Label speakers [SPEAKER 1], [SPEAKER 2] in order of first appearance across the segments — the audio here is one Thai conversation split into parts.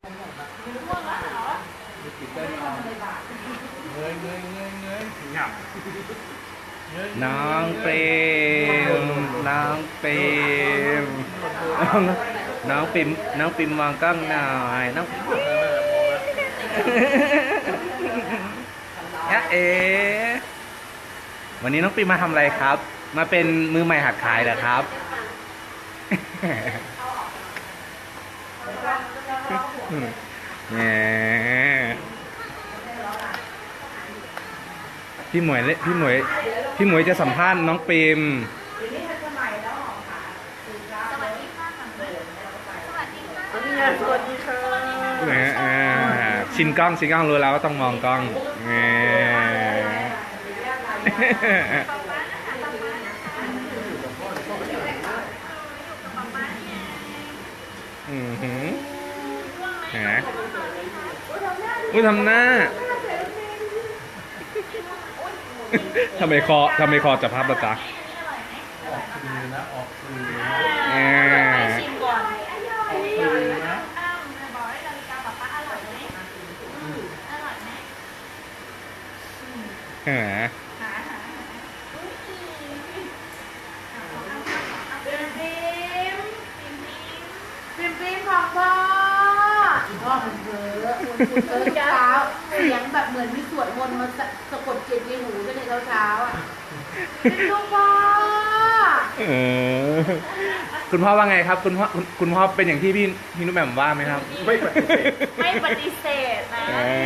[SPEAKER 1] น้องเปรมน้องเปรมน้องปิ่มน้องปิ่มมองกล้องหน่อยน้องเอ๋วันนี้น้องปิ่มมาทำอะไรครับมาเป็นมือใหม่หัดขายเหรอครับพี่หมวยจะสัมภาษณ์น้องปิ่ม
[SPEAKER 2] สวัสดีค่ะ
[SPEAKER 1] ชินกล้องรู้แล้วว่าต้องมองกล้องอุ้ยทำหน้าทำไมคอจะพับละจ๊ะ
[SPEAKER 2] ชิมก่อนฟิล์มของพ่อมันเพ้อเช้าเสียงแบบเหมือนมีสวดมนต์มาสะกดจิตในหูกันในเช้าอ่ะเป็นลูกพ่อ
[SPEAKER 1] คุณพ่อว่าไงครับคุณพ่อเป็นอย่างที่พี่นุ่มแหม่มว่าไหมครับ
[SPEAKER 2] ไม่ปฏิเสธนะ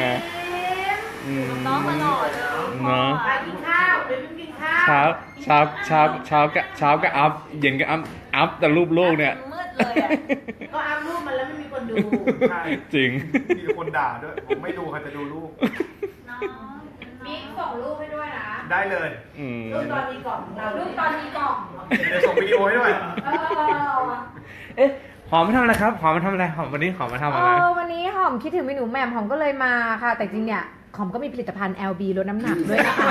[SPEAKER 2] น้องมาหน่อยไปกินข้าวเดี๋ยวกินข้าว
[SPEAKER 1] เช้าก็อัพเย็นก็อัพแต่รูปโลกเนี่ย
[SPEAKER 2] มืดเลยอ่ะก็อัพรูปมันแล้วไม่มีคนดู
[SPEAKER 1] จริง
[SPEAKER 3] มีคนด่าด้วยผมไม่ดูใครจะดูรูป
[SPEAKER 2] บิ๊กส่งรูปให้ด้วยนะ
[SPEAKER 3] ได้เลย
[SPEAKER 2] รูปตอนนี้กล่องรูปตอนนี้กล่อง
[SPEAKER 3] เดี๋ยวส่งวิดีโอให้ด้วย
[SPEAKER 1] หอมมาทำอะไรครับหอมมาทำอะไรหอมวันนี้หอมมาทำอะไร
[SPEAKER 4] วันนี้หอมคิดถึงเมนูแหม่มหอมก็เลยมาค่ะแต่จริงเนี่ยหอมก็มีผลิตภัณฑ์ LB ลดน้ำหนักด้วยนะคะ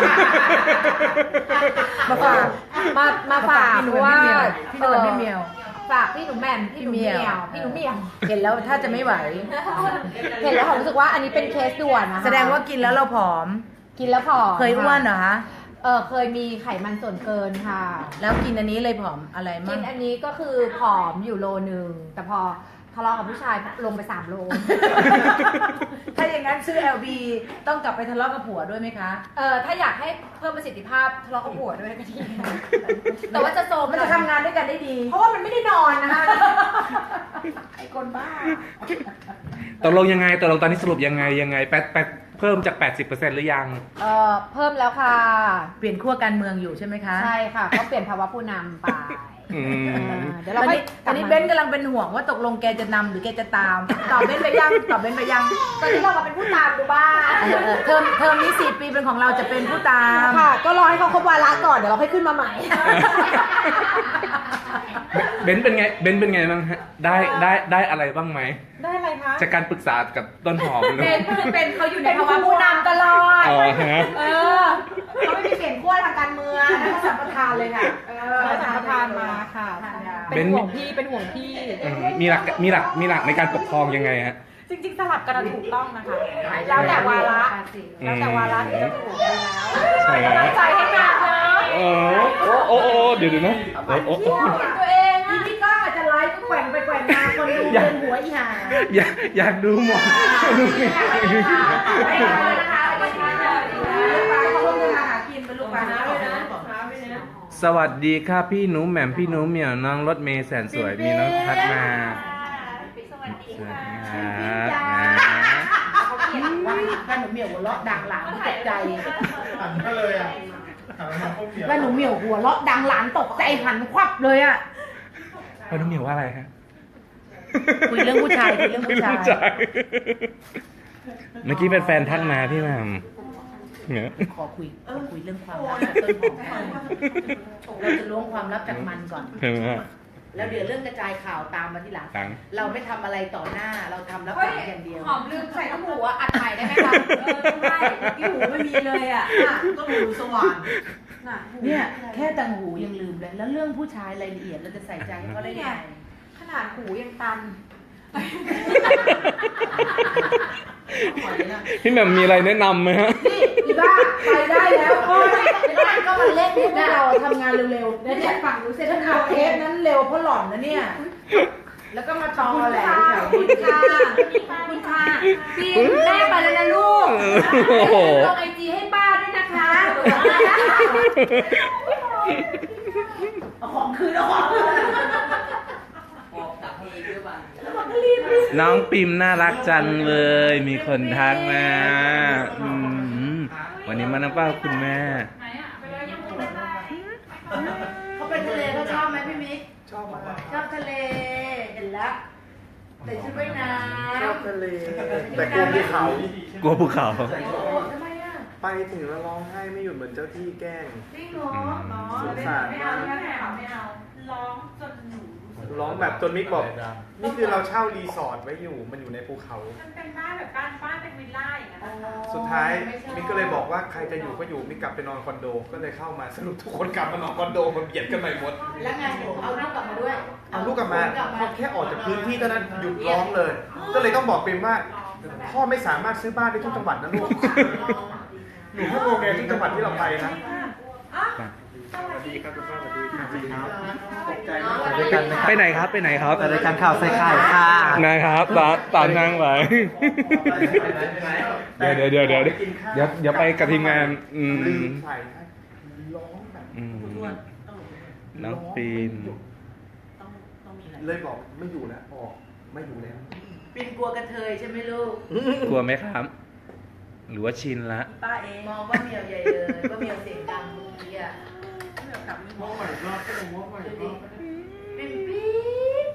[SPEAKER 4] มาฝากเพราะว่า
[SPEAKER 2] พี่หนุ่มพี่เมียว
[SPEAKER 4] ฝากพี่หนุ่มแหม่มพี่หนุ่มเมียว
[SPEAKER 2] เห็นแล้วถ้าจะไม่ไหว
[SPEAKER 4] เห็นแล้วหอมรู้สึกว่าอันนี้เป็นเคสด่วนนะคะ
[SPEAKER 2] แสดงว่ากินแล้วเราผอมเคยอ้วนเหรอคะ
[SPEAKER 4] เคยมีไขมันส่วนเกินค่ะ
[SPEAKER 2] แล้วกินอันนี้เลยผอมอะไรมั่ง
[SPEAKER 4] กินอันนี้ก็คือผอมอยู่โลนึงแต่พอทะเลาะกับผู้ชายลงไป3 โล
[SPEAKER 2] ถ้าอย่างนั้นซื้อ LB ต้องกลับไปทะเลาะกับผัวด้วยไหมคะ
[SPEAKER 4] ถ้าอยากให้เพิ่มประสิทธิภาพทะเลาะกับผัวด้วยก็ดีแต่ว่าจะโซม
[SPEAKER 2] มันจะทำงานด้วยกันได้ดี
[SPEAKER 4] เพราะว่ามันไม่ได้นอนนะคะไอ้คนบ้า
[SPEAKER 1] ตกลงยังไงตอนนี้สรุปยังไงแปดเพิ่มจาก 80% หรือยัง
[SPEAKER 4] เพิ่มแล้วค่ะ
[SPEAKER 2] เปลี่ยนขั้วการเมืองอยู่ใช่ไหมคะ
[SPEAKER 4] ใช่ค่ะก็เปลี่ยนภาวะผู้นำไป
[SPEAKER 2] เดี๋ยวเราตอนนี้เบนกำลังเป็นห่วงว่าตกลงแกจะนำหรือแกจะตามตอบเบนไปยังตอน
[SPEAKER 4] นี้เรามาเป็นผู้ตามดูบ้าง
[SPEAKER 2] เทอมนี้4 ปีเป็นของเราจะเป็นผู้ตาม
[SPEAKER 4] ค่ะก็รอให้เขาครบวาระก่อนเดี๋ยวเราค่อยขึ้นมาใหม่
[SPEAKER 1] เบนเป็นไงบ้างฮะได้อะไรบ้างไหม
[SPEAKER 4] ได้อะไรคะ
[SPEAKER 1] จากการปรึกษากับต้นหอม
[SPEAKER 4] เป็นเขาอยู่ในภาวะผู้นำตลอด
[SPEAKER 1] เขา
[SPEAKER 4] ไม่มีเปลี่ยนขั้วทางการเมืองนะสัมปทานเลยค่ะสัมปทานมาค่ะเป็นห่วงพี่
[SPEAKER 1] มีหลักในการปกครองยังไงฮะ
[SPEAKER 4] จริงๆสลับกันถูกต้องนะคะแล้วแต่วาระที่จะถูกแล้วตั้งใจให้งานนะ
[SPEAKER 1] โอ้เดี๋ยวนะ
[SPEAKER 4] ตัวเองพี่ก้องอาจจะไลฟ์ก็แกว่งไปแกว่งมาคนดูเป็นหัวอีห่า
[SPEAKER 1] อยากดูหมดสวัสดีค่ะพี่หนูแหม่มพี่หนูเหมียวน้องรถเมย์แสนสวยมีน้องทักมา
[SPEAKER 2] สวัสดีค่ะแม่หนูเหมียวหัวเราะดังหลานตกใจ
[SPEAKER 3] หันมาเลยอ่ะ
[SPEAKER 2] แม่หนูเหมียวหัวเราะดังหลานตกใจหันควับเลยอ่ะ
[SPEAKER 1] แม่หนูเหมียวว่าอะไรฮะ
[SPEAKER 2] คุยเรื่องผู้ชาย
[SPEAKER 1] เมื่อกี้เป็นแฟนทักมาพี่แหม่ม
[SPEAKER 2] ขอคุยเรื่องความลับจากต้นหอมเราจะล้วงความลับจากมันก่อนแล้วเดี๋ยวเรื่องกระจายข่าวตามมาทีหลังเราไม่ทำอะไรต่อหน้าเราทำรับฟังอย่างเดียว
[SPEAKER 4] หอมลืมใส่ต้มหูอัดใหม่ได้ไหมคะ
[SPEAKER 2] ไม่ที่หูไม่มีเลยอ่ะก็หูสว่างเนี่ยแค่ตังหูยังลืมเลยแล้วเรื่องผู้ชายรายละเอียดเราจะใส่ใจเขาได้ยังไง
[SPEAKER 4] ขนาดหูยังตัน
[SPEAKER 1] พี่แหม่มมีอะไรแนะนำไหมฮะ
[SPEAKER 2] นี่อีบ้าไปได้แล้วโอ้ยบ้านก็มาเล่นให้เราทำงานเร็วๆแล้วเนี่ยฝั่งรู้เสร็จข่าวเทปนั้นเร็วเพราะหล่อนนะเนี่ย แล้วก็มาตอแหลแถวนี้
[SPEAKER 4] คุณค่ะพี่แม่ไปแล้วนะลูก
[SPEAKER 1] โอ้โห
[SPEAKER 4] ลงไอจีให้ป้าด้วยนะคะ
[SPEAKER 2] เอาของคืนเอาของคืน
[SPEAKER 1] น้องปิมน่ารักจังเลย มีคนทักมาวันนี้มาน้ำเป้าคุณแม่
[SPEAKER 2] เขาไปทะเลเขาชอบไหมพี่มิก
[SPEAKER 3] ชอบมาก
[SPEAKER 2] ชอบทะเลเห็นแล้วแต่ชุดว่ายน้ำ
[SPEAKER 3] ชอบทะเลแต่กลัวภูเขา
[SPEAKER 1] กลัวภูเขา
[SPEAKER 2] โอ้ทำไมอ่ะ
[SPEAKER 3] ไปถึงแล้วร้องไห้ไม่หยุดเหมือนเจ้าที่แกล้ง
[SPEAKER 2] จริงเหรอ
[SPEAKER 3] สงสารมาก
[SPEAKER 4] ไม่เอาร้องจนหนู
[SPEAKER 3] ร้องแบบจนมิกบอกนี่คือเราเช่ารีสอร์ทไว้อยู่มันอยู่ในภูเขา
[SPEAKER 4] มันเป็นบ้านแบบบ้านเป็นวิลล่าอย่างนั้นนะคะ
[SPEAKER 3] สุดท้ายมิกก็เลยบอกว่าใครจะอยู่ก็อยู่มิกกลับไปนอนคอนโดก็เลยเข้ามาสรุปทุกคนกลับมานอนคอนโดมันเบียดกันไปหมด
[SPEAKER 2] แล้วไงหนูเอาลูกกลับมาด้วย
[SPEAKER 3] เอาลูกกลับมาพอแค่ออกจากพื้นที่เท่านั้นหยุดร้องเลย ก็เลยต้องบอกปิมว่าพ่อไม่สามารถซื้อบ้านได้ทุกจังหวัดนะลูกหนูแค่โรงแรมที่จังหวัดที่เราไปนะสวัสดีครับคุณพ่อสวัสดีครับตกใจมาก
[SPEAKER 1] ไปไหนครับไปไหนครับ
[SPEAKER 5] แต่รายการข่าวใส่ไข่ค่ะ
[SPEAKER 1] นะครับตามนั่งไปเดี๋ยวไปกับทีมงาน
[SPEAKER 3] ลืมใส่ให้ร้องแบบ
[SPEAKER 1] น้องปิม
[SPEAKER 3] เลยบอกไม่อยู่แล้วออกไม่อยู่แล้ว
[SPEAKER 2] ปินกลัวกระเทยใช่ไหมลูก
[SPEAKER 1] กลัวไหมครับ หรือว่าชินละ
[SPEAKER 2] ป้าเองมองว่าเมียวใหญ่เลยว่าเมียวเสียงดังเมื่อกี้อ่ะ
[SPEAKER 3] ว่าใหม่รอบก็เลยว่าใหม่รอบ
[SPEAKER 2] ปิมปี๊ด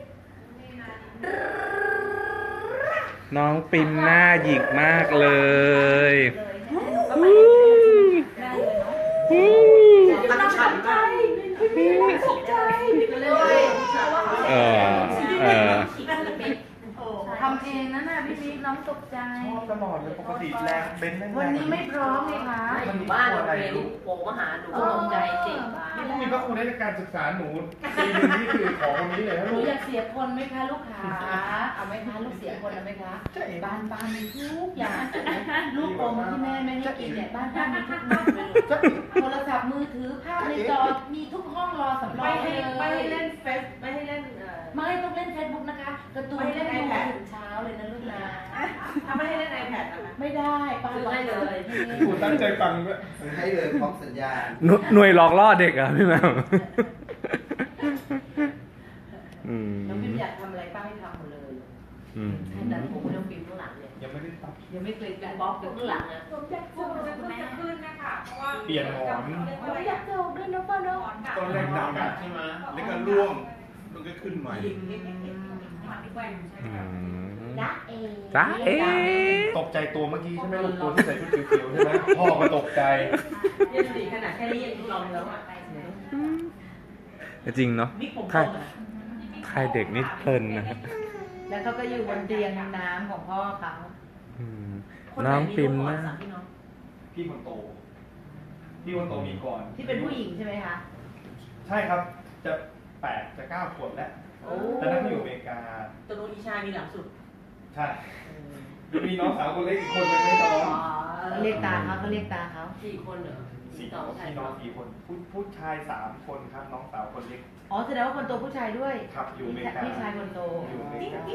[SPEAKER 1] น้องปิมหน้าหยิกมากเลย
[SPEAKER 2] ตั้งฉันใจตกใจเลย
[SPEAKER 1] เออ
[SPEAKER 2] ทำเองนะน่ะพี่มิกน้องตกใจ
[SPEAKER 3] ชอบตลอดเลยปกติแรงเบนซ์แรง
[SPEAKER 2] วันนี้ไม่พร้อมไงคะ
[SPEAKER 3] อยู่บ้านอะไรลูก
[SPEAKER 2] โผล่มาหาหนูก็ตกใจจริง
[SPEAKER 3] นี่ก็มีพระคุณในการศึกษาหนูปีนึงนี่คือของคนนี้เลยนะ
[SPEAKER 2] หนู
[SPEAKER 3] ลูก
[SPEAKER 2] อยากเสียคนไหมคะลูกค้าเอาไหมคะลูกเสียคนเอาไหมคะบ้านป้ามีทุกอย่างลูกอมที่แม่ไม่ให้กินเนี่ยบ้านป้ามีทุกอย่างเลยโทรศัพท์มือถือภาพในจอมีทุกห้องรอสำรองเลย
[SPEAKER 4] ไม่ให้เล่นเฟซไม่ให้เล่น
[SPEAKER 2] ไม่ต้องเล่นเฟซบุ๊กนะคะการ์ตูนเล่นดูถึงเช้าเลยนะลูกนะ
[SPEAKER 4] ถ้าไม่ให้เล่น iPad นะคะ
[SPEAKER 2] ไม่ได้ป้าบอกเลย
[SPEAKER 3] คุณตั้งใจฟังด้วย
[SPEAKER 5] ให้เลยพร้อมสัญญาณ
[SPEAKER 1] หน่วยหลอกล่อเด็กอ่ะพี่แมว
[SPEAKER 2] น้องพิมอยากทำอะไรป้าให้ทำหมดเลยให้ดันผมไม่ต้องพิมข้างหลังเนี่ย
[SPEAKER 3] ยังไม่ได้ตัด
[SPEAKER 2] ยังไม่เคยเป็นบล็อกอยู่ข้างหลังนะ
[SPEAKER 4] ผมอยากโจมจะขึ้นนะคะเพราะว่า
[SPEAKER 3] เปลี่ยนหมอน
[SPEAKER 2] อยากโจมด้วยนะป้าเนาะ
[SPEAKER 3] ตอนแรกดังใช่ไหมแล้วก็ร่วงมันก็ขึ้นใหม่
[SPEAKER 2] จ๊ะเอ
[SPEAKER 1] จ้าเอ๊ะ
[SPEAKER 3] ตกใจตัวเมื่อกี้ใช่ไหมลูกตัวที่ใส่ชุดเขียวๆใช่ไหมพ่อก็ตกใจ
[SPEAKER 2] ยันสีขนาดแค่นี้ยังลองแล้วอ่ะ
[SPEAKER 1] จริงเนาะ
[SPEAKER 2] นี่ผม
[SPEAKER 1] ค่ายเด็กนี่เพลินนะฮะ
[SPEAKER 2] แล้วเขาก็อยู่บนเตียงน้ำของพ่อเขา
[SPEAKER 1] น้องปิมนะ
[SPEAKER 3] พี่คนโตพี่คนโตมีก่อน
[SPEAKER 2] ที่เป็นผู้หญิงใช่ไหมคะ
[SPEAKER 3] ใช่ครับจะ8จะ9ขวบแล้วแต่นั้นเขาอยู่อเมริกา
[SPEAKER 2] ตัวนู้นอีชายมีหลังสุด
[SPEAKER 3] ใช่มีน้องสาวคนเล็กอีกคนนึงไม่ท้อง
[SPEAKER 2] เรียกตาเขาเรียกตาเขา
[SPEAKER 3] พี่น้อง4 คนผู้ชาย3 คนครับน้องสาวคนเล็ก
[SPEAKER 2] อ๋อแสดงว่าคนโตผู้ชายด้วย
[SPEAKER 3] ครับอยู่อเมริกา
[SPEAKER 2] พี่ชายคนโต
[SPEAKER 3] อยู่อเมริกา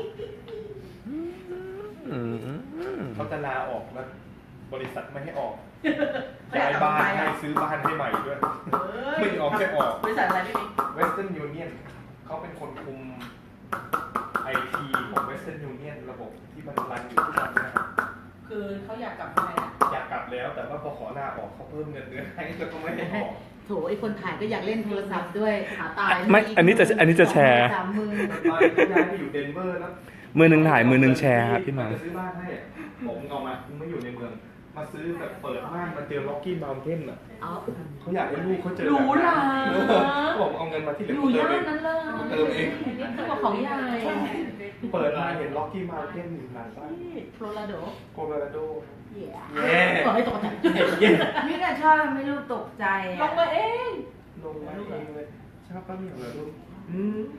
[SPEAKER 3] เขาจะลาออกแล้วบริษัทไม่ให้ออกย้ายบ้านให้ซื้อบ้านให้ใหม่ด้วยไม่ออกแค่ออก
[SPEAKER 2] บริษัทอะไรพี่มิก
[SPEAKER 3] Western Union เขาเป็นคนคุมไอทีของ Western Union ระบบที่มันรันอยู่ทุกวันนะครับ
[SPEAKER 2] คือเขาอยากกลับมาอ่ะ
[SPEAKER 3] อยากกลับแล้วแต่ว่าพอขอลาออกเขาเพิ่มเงินเดือนให้แล้วก็ไม่ให้ออก
[SPEAKER 2] โถไอคนถ่ายก็อยากเล่นโทรศัพท์ด้วยหาตาย
[SPEAKER 1] ไม่อันนี้จะแชร์
[SPEAKER 2] 3 มือ
[SPEAKER 3] ตอนที่ย้ายไปอยู่เดนเวอร์แล้ว
[SPEAKER 1] มือหนึ่งถ่ายมือหนึ่งแชร์ครับพี่หมา
[SPEAKER 3] จะซื้อบ้านให้อะผมเอามาผมไม่อยู่ในเมือง มาซื้อแบบเปิดบ้านมาเจอล็อกกี้บาวเทนอ่ะ
[SPEAKER 2] เอา
[SPEAKER 3] เขาอยากให้ลูกเขาเจอ
[SPEAKER 2] หรูหรา
[SPEAKER 3] เขาบอกเอาเงินมาที่เหลื
[SPEAKER 2] อ
[SPEAKER 3] อยู่
[SPEAKER 2] ย่าน
[SPEAKER 3] เติ
[SPEAKER 2] นั้นเลย
[SPEAKER 3] เติมเอง
[SPEAKER 2] นี่คือของใหญ่
[SPEAKER 3] เปิดมาเห็นล็อกกี้บาวเทนอยู่หลังบ้าน
[SPEAKER 2] โคโลราโด
[SPEAKER 3] โคโลราโด
[SPEAKER 2] เย่
[SPEAKER 3] เย้
[SPEAKER 2] ขอให้ตกใจ
[SPEAKER 4] นี่ก็ชอบไม่ลูกตกใจ
[SPEAKER 2] ลงมาเอง
[SPEAKER 3] ลงมาเองเลยชอบป้าเหมียวเหรอลูก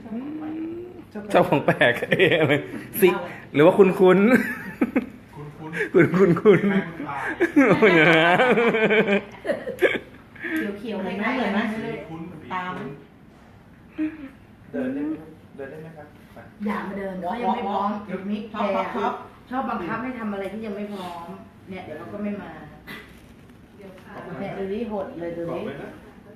[SPEAKER 3] ชอบ
[SPEAKER 1] เจ้าของแปลกเอ๊ะอะไรสิหรือว่าคุณ
[SPEAKER 3] คุณ
[SPEAKER 1] คุณเนี่ย
[SPEAKER 2] เขียวๆคล้ายๆเหมือนไหมตาม
[SPEAKER 3] เดินได้ไหมเดินได้ไหมครับไป
[SPEAKER 2] อย่ามาเดินเขายังไม่พร้อมมิกแพรชอบบังคับให้ทำอะไรที่ยังไม่พร้อมเนี่ยเดี๋ยวเขาก็ไม่มาเนี่ยดูดิหดเลยดู
[SPEAKER 3] บอก
[SPEAKER 2] ดิ
[SPEAKER 3] เลยนะ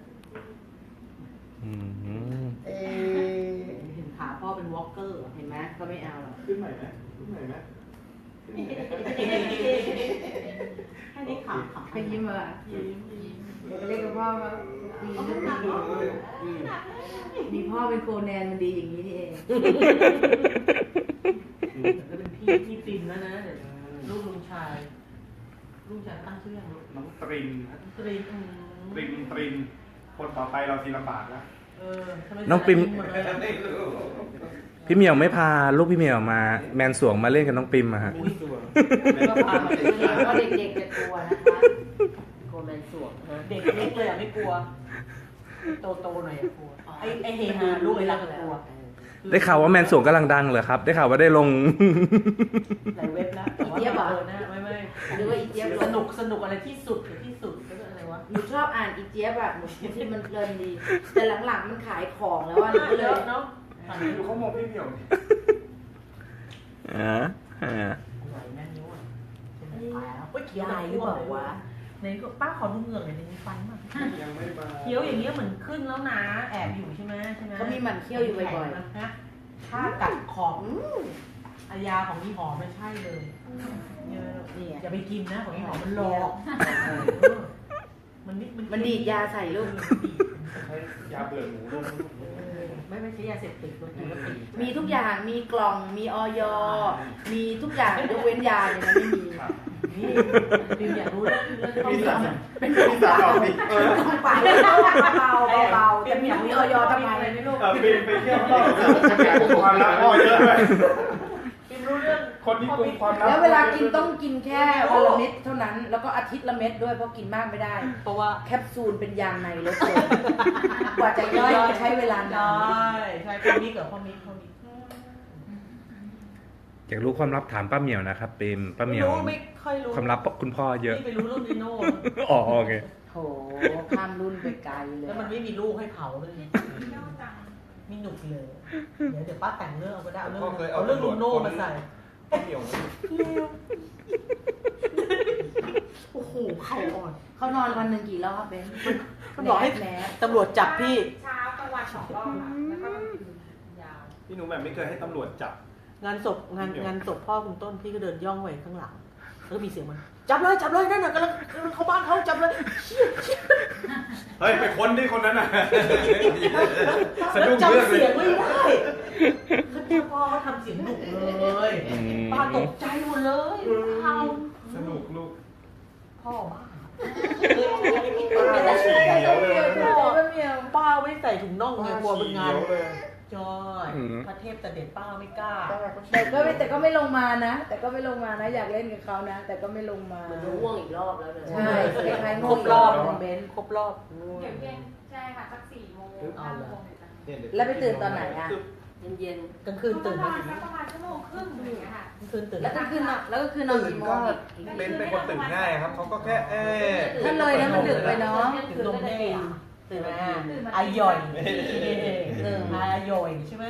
[SPEAKER 2] เห็นขาพ่อเป็นวอล์กเกอร์เห็นไหมเขาไม่เอาหรอก
[SPEAKER 3] ขึ้นใหม่ไหมขึ้นใหม่ไหม
[SPEAKER 2] ให้ได้ขาไปยิ้มอ่ะเรียกกับพ่อว่ามีพ่อเป็นโคแนนมันดีอย่างนี้นี่เองจะเป็นพี่ปินแล้วนะเดี๋ยวลูกลุงชายตั้งชื่อยัง
[SPEAKER 3] น้องตรินนะ
[SPEAKER 2] ตรี
[SPEAKER 3] ตรินคนต่อไปเราทีละบาทแล้ว
[SPEAKER 1] น้องปิมพี่เหมียวไม่พาลูกพี่เหมียวมาแมนสวงมาเล่นกับน้องปิมอะฮะ
[SPEAKER 2] ก็พามาเป็นเพราะเด็กๆจะกลัวนะคะกลัวแมนสวงเด็กเล็กเลยอ่ะไม่กลัวโตๆหน่อยกลัวไอเฮฮาลูกไอ้รักกลัว
[SPEAKER 1] ได้ข่าวว่าแมนสวงกำลังดังเหรอครับ ได้ข่าวว่าได้ลง
[SPEAKER 2] หลายเว็บนะอีเจี๊ยบเหรอไม่หรือว่าอีเจี๊ยบสนุกอะไรที่สุดก็อะไรวะหนูชอบอ่านอีเจี๊ยบอะหนูที่มันเพลินดีแต่หลังๆมันขายของแล้วอะหนูก็เลยเนาะ
[SPEAKER 3] ดูเขามองพี่เหมียวดิ
[SPEAKER 2] เขียวหรือเปล่าวะ
[SPEAKER 4] ในป้าขอดูเหงือกหน่อยในฟันมาก
[SPEAKER 3] ยังไม่มา
[SPEAKER 4] เคี้ยวอย่างเงี้ยเหมือนขึ้นแล้วนะแอบอยู่ใช่ไหม
[SPEAKER 2] เขามีหมันเคี้ยวอยู่บ่อย
[SPEAKER 4] ๆนะถ้ากัดขอบอายาของพี่หอมไม่ใช่เลย
[SPEAKER 2] ๆนี่
[SPEAKER 4] อย่าไปกินนะของพี่หอมมันหลอก
[SPEAKER 2] มันดีดยาใส่ลูก
[SPEAKER 3] ใช้ยาเบื่อหมูด้วย
[SPEAKER 4] ไม่ใช่ยาเสพติดมันคือ
[SPEAKER 2] มีทุกอย่างมีกล่องมีออยมีทุกอย่างยกเว้นยาเนี่ยนะไม่มี
[SPEAKER 4] นี่ปิมอยากรู้เรื่อง
[SPEAKER 3] พี่สาว
[SPEAKER 2] เป็น
[SPEAKER 3] พี่สาวเอาดิ
[SPEAKER 2] ต้องไปเบาๆจะมีออยทำไม
[SPEAKER 4] ไม่รู้
[SPEAKER 3] ปีนไปเที่ยวต้องความรักพ่อเยอะเลย
[SPEAKER 4] ปิมรู้เรื่อง
[SPEAKER 3] คนที่กุมความรัก
[SPEAKER 2] แล้วเวลากินต้องกินแค่วันละเม็ดเท่านั้น แล้วก็อาทิตย์ละเม็ดด้วยเพราะกินมากไม่ได้
[SPEAKER 4] เพราะว่า
[SPEAKER 2] แคปซูลเป็นยางในรถเลยกว่าจะย่อยใช้เวลานาน
[SPEAKER 4] ใช่พ่อมิกกับพ่อมิก
[SPEAKER 1] อยากรู้ความลับถามป้าเหมียวนะครับปิมป้าเหมียว
[SPEAKER 4] ไม่ค่อยรู้
[SPEAKER 1] ความลับคุณพ่อเยอะ
[SPEAKER 4] นี่ไปรู้เรื่องนิโน่
[SPEAKER 1] อ๋อโอเค
[SPEAKER 2] โหข้ามรุ่นไปไกลเลย
[SPEAKER 4] แล้วมันไม่มีลูกให้เผาเลยมีหนุกเลยเดี๋ยวป้าแต่งเรื่องเอาก็ได้เอาเรื่องลุงโน่มาใส่
[SPEAKER 3] เหนียว
[SPEAKER 4] โอ้โหเขาอ่อน
[SPEAKER 2] เขานอนวันหนึ่งกี่รอบเบน
[SPEAKER 4] มันบอกให้
[SPEAKER 2] แหน
[SPEAKER 4] ตำรวจจับพี่
[SPEAKER 6] เช้ากลางวัน2 รอบค่ะแล้วก็กลางคืนยาว
[SPEAKER 3] พี่หนูแบบไม่เคยให้ตำรวจจับ
[SPEAKER 4] งานศพพ่อคุณต้นพี่ก็เดินย่องไปข้างหลังแล้วก็มีเสียงมันจับเลยนั่นน่ะกำลังเข้าบ้านเขาจับเลย
[SPEAKER 3] เฮ้ยไปค้นที่คนนั้นน่ะสะดุ้ง
[SPEAKER 4] จำ
[SPEAKER 3] เรื่องเล
[SPEAKER 4] เสีย
[SPEAKER 3] ย
[SPEAKER 4] งไม่ได้พ่อเขาทำเสียงดุเลยป้าตกใจหมดเลยเขา
[SPEAKER 3] สนุกลูก
[SPEAKER 4] พ่อบ้า
[SPEAKER 3] ป้าฉี่เหนียวเลย
[SPEAKER 4] ป้าไม่ใส่ถุงน่องไงกลัวเป็นงาน
[SPEAKER 3] เลย
[SPEAKER 4] จอยพระเทพแต่เด็ดป้าไม่กล้า
[SPEAKER 2] แต่ก็ไม่ลงมานะ อยากเล่นกับเขานะ แต่ก็ไม่ลงมา
[SPEAKER 4] ง่วงอีกรอบแล้วเลย
[SPEAKER 2] ใช่คล้ายๆ
[SPEAKER 4] ค
[SPEAKER 2] ง่
[SPEAKER 4] ร
[SPEAKER 2] วง
[SPEAKER 4] บรอบ
[SPEAKER 2] เบน
[SPEAKER 4] ครบรอบ
[SPEAKER 6] เดี๋ยวเย็นใช่ค่ะสัก4 โมง5 โมง
[SPEAKER 2] แล้วไปตื่นตอนไหนอ่ะ
[SPEAKER 4] เย็นๆกลางคืนตื่น
[SPEAKER 6] ป
[SPEAKER 4] มา
[SPEAKER 6] ระมาณสักประมาณ1 ชั่วโมงครึ่งอย่างเงี้ยค่ะ
[SPEAKER 4] กลางคืนตื่น
[SPEAKER 2] แล้วก็คือนอนกี่โมงอีก
[SPEAKER 3] เป็นคนตื่นง่ายครับเขาก็แค่
[SPEAKER 2] ถ้าเลยนะมันดึกไปเนาะ
[SPEAKER 4] ตื่นนมแม่ตื่นมาอาย่อยอาย่อยใช่ไหม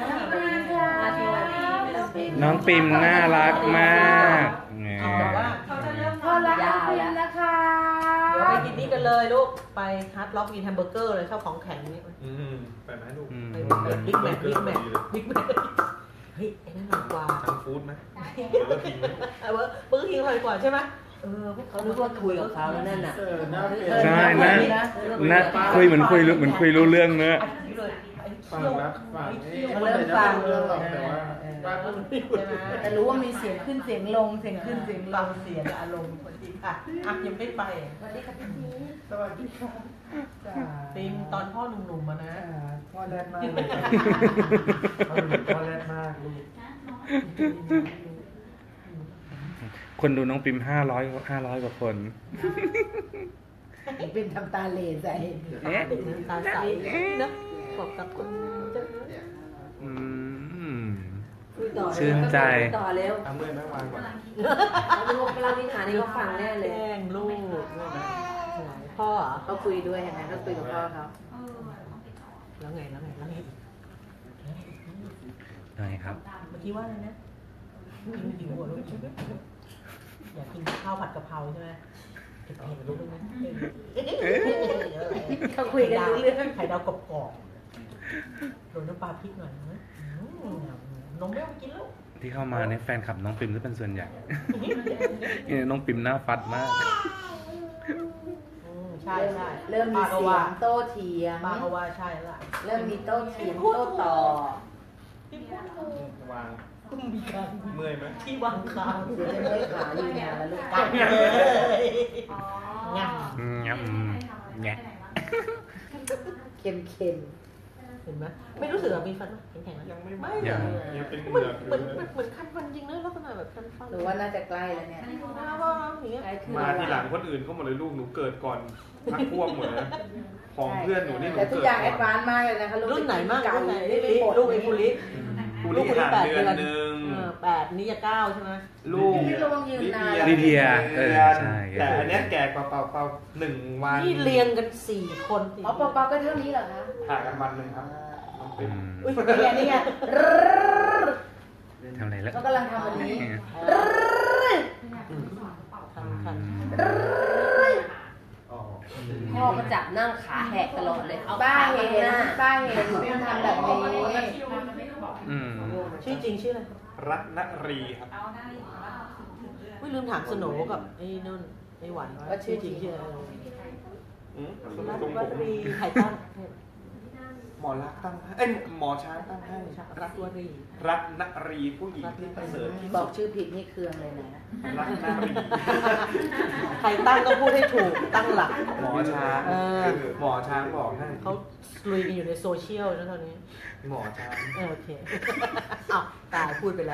[SPEAKER 1] น้องปิมน่ารักมากแหม
[SPEAKER 4] แต่ว่า
[SPEAKER 6] เขาจะเริ่ม
[SPEAKER 2] พ่อรักน้องพิมนะคะ
[SPEAKER 4] เดี๋ยวไปกินนี่กันเลยลูกไปฮาร์ดล็อกกินแฮมเบอร์เกอร์เลยชอบของแข็งนี่
[SPEAKER 3] ไปไหมลูก
[SPEAKER 4] ไปบิ๊กแมทเฮ้ยไอ้นั่นหนักกว่า
[SPEAKER 3] ทำฟู้ดไหมหรือว่าทิ้งไหม
[SPEAKER 4] เบอร์คิงอร่อยกว่าใช่ไหมเขา
[SPEAKER 2] นึกว่าคุยกับเขาแล้วนั่นน่ะ
[SPEAKER 1] ใช่นะคุยเหมือนคุยรู้เรื่องเนอะ
[SPEAKER 3] ฟังนะฟัง
[SPEAKER 2] เริ่มฟัง
[SPEAKER 3] แต่ว่าป้าก็ไม่พูด
[SPEAKER 2] แต่รู้ว่ามีเสียงขึ้นเสียงลงเสียงขึ้นเสียงล
[SPEAKER 4] ฟัง
[SPEAKER 2] ง
[SPEAKER 4] เสียงอารมณ์พอดีอ่ะยังไม่ไป
[SPEAKER 2] สวัสดีค่ะพี่
[SPEAKER 3] สวัสดีค่ะ
[SPEAKER 4] ฟิล์มตอนพ่อหนุ่มๆมานะ
[SPEAKER 3] พ่อแรดมากเลยพ่อแรดมากลูก
[SPEAKER 1] คนดูน้องปิม500 กว่าคน
[SPEAKER 2] เป็นทำตาเหล่ใส่
[SPEAKER 4] เป็นน้ำตาใสนะบอกกับคนจะ
[SPEAKER 1] อืม
[SPEAKER 4] คุย
[SPEAKER 6] ต่อ
[SPEAKER 1] ชื่นใจ
[SPEAKER 6] ต่อเร็ว
[SPEAKER 3] เอาเมื่อยไหมวางก่อน
[SPEAKER 6] เรานิทานนี้เขาฟังแน่เลย
[SPEAKER 4] แกล้งลูกพ่อเหรอ
[SPEAKER 2] เขาคุยด้วยเห็นไหมเขาคุยกับพ่อเขา
[SPEAKER 4] แล้วไง
[SPEAKER 1] ยังไงครับ
[SPEAKER 4] เมื่อกี้ว่าอะไรนะหิวหัวลูกอยากกินข้าวผัดกะเพราใช่ไหมเผ็ดๆลูกนะ
[SPEAKER 2] เขาคุยกันรู้เรื่อง
[SPEAKER 4] ไข่ดาวกรอบๆโรยน้ำปลาพริกหน่อยนะนมไม่ต้องกินลูก
[SPEAKER 1] ที่เข้ามาในแฟนคลับน้องปิมจะเป็นส่วนใหญ่ เนี่ยน้องปิมหน้าฟัดมาก
[SPEAKER 4] ใช่ใช่
[SPEAKER 2] เริ่มมีเสียงโต้เถียง
[SPEAKER 4] ป้าก็ว่าใช่ละ
[SPEAKER 2] เริ่มมีโต้เถียงโต้ตอบ
[SPEAKER 3] วาง
[SPEAKER 4] มีการ
[SPEAKER 3] เมื่อยไหม
[SPEAKER 4] ที่วางคาง
[SPEAKER 2] เดี๋ยวจะไม่ขาอยู่นานแล้วลูก
[SPEAKER 4] กัดเลยงับ
[SPEAKER 1] งับแงะ
[SPEAKER 2] เค็มเค็ม
[SPEAKER 4] เห็นไหมไม่รู้สึกมีฟันไหมแข็งๆ
[SPEAKER 3] ยังไม่
[SPEAKER 4] ไม่
[SPEAKER 3] ยัง
[SPEAKER 4] เลย
[SPEAKER 3] ยังเป็นเห
[SPEAKER 4] เหมื
[SPEAKER 3] งื
[SPEAKER 4] อน
[SPEAKER 3] อก
[SPEAKER 4] เหมือนเหมือนคันฟันจริงนะลักษณะแบบคันฟัน
[SPEAKER 2] หรือว่าน่าจะใกล้แล้วเนี่ย
[SPEAKER 4] อย่างเงี้ย
[SPEAKER 2] ใกล้ขึ้น
[SPEAKER 3] มาทีหลังคนอื่นเขาหมดเลยลูกหนูเกิดก่อนพักพวกหมดเลยของเพื่อนหนูนี่หนู
[SPEAKER 2] แต่ทุก
[SPEAKER 3] เกิด
[SPEAKER 2] อย่างแอ
[SPEAKER 3] ก่
[SPEAKER 2] ดวานซ์มากเลยนะคะลูก
[SPEAKER 4] รุ่นไหนมาก
[SPEAKER 2] ไก่
[SPEAKER 4] รุ่นไหน
[SPEAKER 2] ไม่ไปปลด
[SPEAKER 4] ลูกไอ้ปุริ
[SPEAKER 3] กู
[SPEAKER 4] ลูก
[SPEAKER 3] นี่
[SPEAKER 4] คนที่
[SPEAKER 3] ห่าง
[SPEAKER 4] 8
[SPEAKER 3] เดื
[SPEAKER 4] เดื
[SPEAKER 3] อ
[SPEAKER 4] อน น
[SPEAKER 3] หนึ่ง
[SPEAKER 4] 8นี่จะ9ใช่ไหม
[SPEAKER 3] ลูก
[SPEAKER 2] พี่ระวังยืนนาน
[SPEAKER 1] ลิเดียใช่
[SPEAKER 3] แต่อันเนี้ยแก่กว่าเปล่า1 วัน
[SPEAKER 4] นี่เรียงกัน4 คน
[SPEAKER 2] อ๋อเปาๆก็เท่านี้เหรอคะ
[SPEAKER 3] ห่างกันวันหนึ่งครับน้องปิ๊ม
[SPEAKER 2] อุ้ยนี่ไง
[SPEAKER 1] ทำอะไรแล้ว
[SPEAKER 2] เขากำลังทำอันนี้
[SPEAKER 4] คัน
[SPEAKER 3] อ๋อ
[SPEAKER 6] พ่อก็จับนั่งขาแหกตลอดเลย เอา
[SPEAKER 2] ป้า
[SPEAKER 6] ขา
[SPEAKER 2] เห็
[SPEAKER 6] ข้างหน้าน
[SPEAKER 2] ป้าเห็นพี่ทำแบบนี้
[SPEAKER 1] อืม
[SPEAKER 4] ชื่อจริงชื่ออะไร
[SPEAKER 3] รัตนรีครับ
[SPEAKER 4] ไม่ลืมถามสโหนกับไอ้นุ่นไอ้หวานว่าชื่อจริงชื่ออะไร รัต
[SPEAKER 3] ตรง
[SPEAKER 4] วั
[SPEAKER 3] ผม
[SPEAKER 4] รีไข่ตั้ง
[SPEAKER 3] หมอรักตั้งให้หมอช้างตั้งให้
[SPEAKER 4] รัตวรี
[SPEAKER 3] รัตนรีผู้หญิงที่ประเสริฐที่
[SPEAKER 2] บอ
[SPEAKER 3] สุ
[SPEAKER 2] ก
[SPEAKER 3] ด
[SPEAKER 2] ชื่อผิดนี่เคืองเลยนะ
[SPEAKER 3] รัตนรี
[SPEAKER 4] ไข่ตั้งก็พูดให้ถูกตั้งหลัก
[SPEAKER 3] หมอช้าง หมอช้างบอกให้
[SPEAKER 4] เขาลุยกันอยู่ในโซเชียลนะตอนนี้
[SPEAKER 3] หมอช้าง
[SPEAKER 4] โอเคอ้าวตายพูดไปแล้ว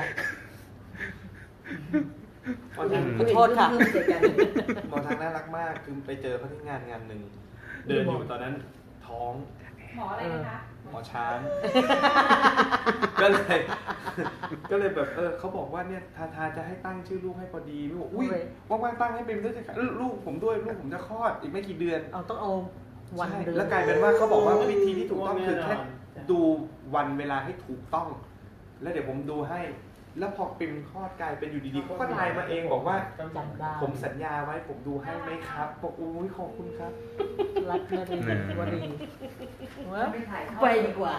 [SPEAKER 3] หมอช้าง
[SPEAKER 4] ขอโทษค่ะ
[SPEAKER 3] หมอช้างน่ารักมากคือไปเจอเขาที่งานหนึ่งเดินอยู่ตอนนั้นท้อง
[SPEAKER 6] หมออะไรนะคะ
[SPEAKER 3] หมอช้าง ก็เลยแบบเขาบอกว่าเนี่ยทาจะให้ตั้งชื่อลูกให้พอดีไม่บอกอุ้ยว่างๆตั้งให้เป็นด้วยจะลูกผมด้วยลูกผมจะคลอดอีกไม่กี่เดือน
[SPEAKER 4] เอาต้องเอาวัน
[SPEAKER 3] ใช่
[SPEAKER 4] เดือน
[SPEAKER 3] แล้วกลายเป็นว่าเขาบอกว่าวิธีที่ถูกต้องคือแค่ดูวันเวลาให้ถูกต้อง แล้วเดี๋ยวผมดูให้ แล้วพอปิมคลอดกลายเป็นอยู่ดีๆเขาก็ไลน์มาเองบอกว่า
[SPEAKER 4] จำได้
[SPEAKER 3] ผมสัญญาไว้ผมดูให้ไหมครับบอกอุ้ยขอบคุณครับ
[SPEAKER 4] รัตวรีวรีว่า
[SPEAKER 2] ไปดีกว่า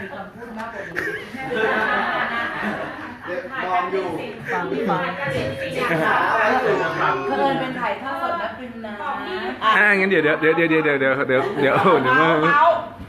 [SPEAKER 5] มองอยู่
[SPEAKER 4] ฟัง
[SPEAKER 5] ขาอะไรอยู่
[SPEAKER 2] เพิ่นเป็นถ่ายทอดสดนะปิมนะ
[SPEAKER 1] งั้นเดี๋ยวมา
[SPEAKER 4] เ